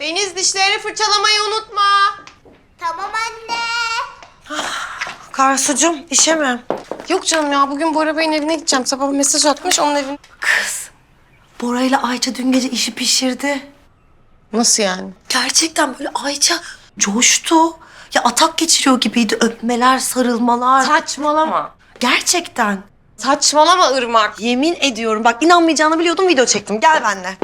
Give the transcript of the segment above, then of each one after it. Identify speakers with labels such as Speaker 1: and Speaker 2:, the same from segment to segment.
Speaker 1: Deniz, dişlerini fırçalamayı unutma.
Speaker 2: Tamam anne.
Speaker 3: Karsucuğum işe mi?
Speaker 1: Yok canım ya, bugün Bora Bey'in evine gideceğim. Sabah mesaj atmış, onun evine.
Speaker 3: Kız, Bora ile Ayça dün gece işi pişirdi.
Speaker 1: Nasıl yani?
Speaker 3: Gerçekten böyle Ayça coştu. Ya atak geçiriyor gibiydi. Öpmeler, sarılmalar.
Speaker 1: Saçmalama.
Speaker 3: Gerçekten.
Speaker 1: Saçmalama Irmak.
Speaker 3: Yemin ediyorum bak inanmayacağını biliyordum video çektim. Gel benimle.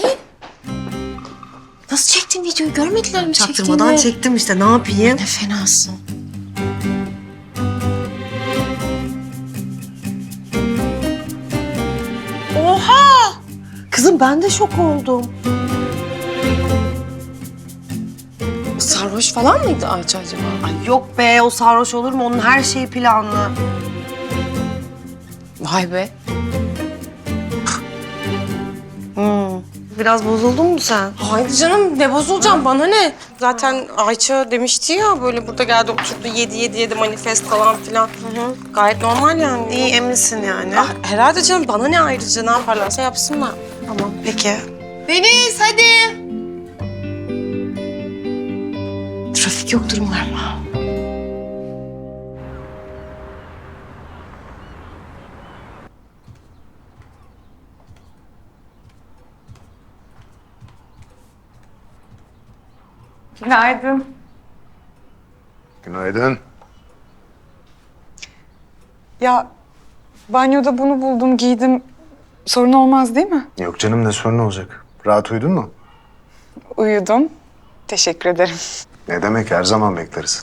Speaker 1: Nasıl çektin videoyu? Görmediler mi
Speaker 3: Çaktırmadan
Speaker 1: çektiğini?
Speaker 3: çektim işte ne yapayım?
Speaker 1: Ne fenasın.
Speaker 3: Oha! Kızım ben de şok oldum.
Speaker 1: Sarhoş falan mıydı Ayça acaba?
Speaker 3: Ay yok be o sarhoş olur mu? Onun her şeyi planlı.
Speaker 1: Vay be.
Speaker 3: Biraz bozuldun mu sen?
Speaker 1: Haydi canım, ne bozulacağım, bana ne? Zaten Ayça demişti ya, böyle burada geldi oturdu, yedi manifest falan filan. Gayet normal yani.
Speaker 3: İyi eminsin yani.
Speaker 1: Ah, herhalde canım, bana ne ayrıca, ne yaparlarsa yapsınlar.
Speaker 3: Tamam peki.
Speaker 1: Deniz, hadi. Trafik yoktur umarım.
Speaker 4: Günaydın.
Speaker 5: Günaydın.
Speaker 4: Ya banyoda bunu buldum, giydim. Sorun olmaz değil mi?
Speaker 5: Yok canım ne sorun olacak? Rahat uyudun mu?
Speaker 4: Uyudum. Teşekkür ederim.
Speaker 5: Ne demek her zaman bekleriz.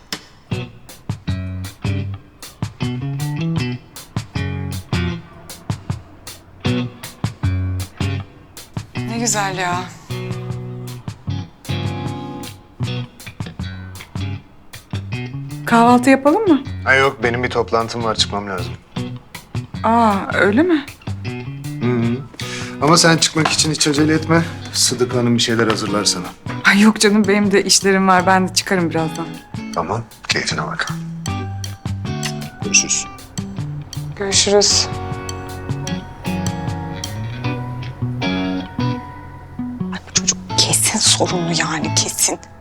Speaker 4: Ne güzel ya. Kahvaltı yapalım mı?
Speaker 5: Ha yok benim bir toplantım var çıkmam lazım.
Speaker 4: Aa, öyle mi?
Speaker 5: Ama sen çıkmak için hiç acele etme. Sıdık Hanım bir şeyler hazırlar sana.
Speaker 4: Ay yok canım, benim de işlerim var. Ben de çıkarım birazdan.
Speaker 5: Tamam keyfine bak. Görüşürüz.
Speaker 4: Görüşürüz.
Speaker 1: Ay, bu çocuk kesin sorunlu yani, kesin.